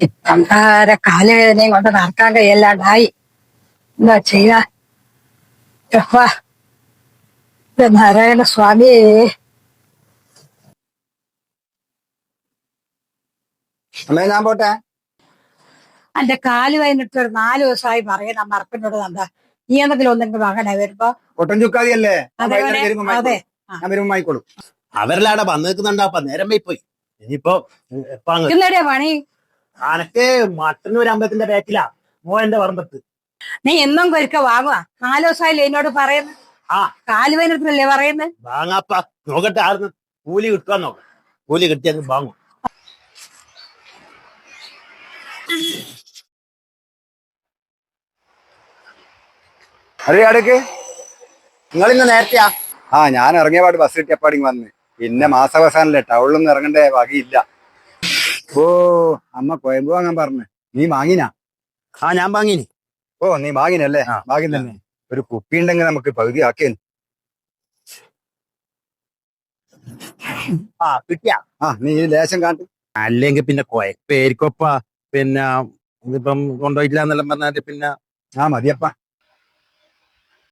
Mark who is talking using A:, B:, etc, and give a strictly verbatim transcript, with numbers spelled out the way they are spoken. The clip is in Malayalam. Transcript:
A: പണ്ടാരെ കാലുവേദനയും കൊണ്ട് നടക്കാൻ കഴിയല്ലാണ്ടായി. എന്താ ചെയ്യാ? യഹോവ, ഇത് നാരായണ സ്വാമി.
B: അമ്മേ ഞാൻ പോട്ടെ.
A: എന്റെ കാല് വേദനിട്ട് ഒരു നാല് ദിവസമായി പറയുന്ന മറപ്പിനോട് എന്താ നീ എന്തെങ്കിലും ഒന്നെങ്കിലും വാങ്ങണേ വരുമ്പോ.
B: ഒട്ടൻ ചുക്കാതിയല്ലേ?
A: അതെ അതെ.
B: ഞാൻ വരുമ്പോ വാങ്ങിക്കോളും.
C: അവരിലാടെ വന്നു നിൽക്കുന്നുണ്ടാ നേരം പോയി. ഇനിയിപ്പോ
A: ഇന്നെടിയാ പണി?
C: അനക്ക് മട്ടന്നൂർ അമ്പലത്തിന്റെ ബാക്കിലാ മോന്റെ പറമ്പത്ത്.
A: നീ എന്നും കൊരിക്ക വാങ്ങുവാ? നാല് ദിവസമായില്ലേ എന്നോട് പറയുന്നത്?
C: ആ
A: കാല് വേദനത്തിനല്ലേ പറയുന്നത്?
C: വാങ്ങാപ്പ നോക്കട്ടെ, ആർന്ന് കൂലി കിട്ടുവാൻ നോക്കാം. കൂലി കിട്ടിയെന്ന് വാങ്ങും.
B: അറിയാ അടുക്ക്
C: നിങ്ങൾ ഇന്ന് നേരത്തെയാ?
B: ആ ഞാൻ ഇറങ്ങിയ പാട് ബസ് കിട്ടിയപ്പാടിങ് വന്ന്. പിന്നെ മാസാവസാനല്ലേ, ടൗണിലൊന്നും ഇറങ്ങേണ്ട വകയില്ല. ഓ അമ്മ കൊയമ്പ് വാങ്ങാൻ പറഞ്ഞു. നീ വാങ്ങിനാ?
C: ആ ഞാൻ വാങ്ങിനി.
B: ഓ നീ വാങ്ങിനല്ലേ?
C: ആ.
B: വാങ്ങി തന്നെ. ഒരു കുപ്പി ഉണ്ടെങ്കിൽ നമുക്ക് പകുതി ആക്കിയൻ.
C: ആ കിട്ടിയാ?
B: ആ നീ ഈ ലേശം കാട്ടി.
C: അല്ലെങ്കിൽ പിന്നെ കൊയപ്പേരിക്കൊപ്പ. പിന്നെ ഇതിപ്പം കൊണ്ടുപോയിട്ടില്ല എന്നെല്ലാം പറഞ്ഞാല് പിന്നെ
B: ആ മതിയപ്പ.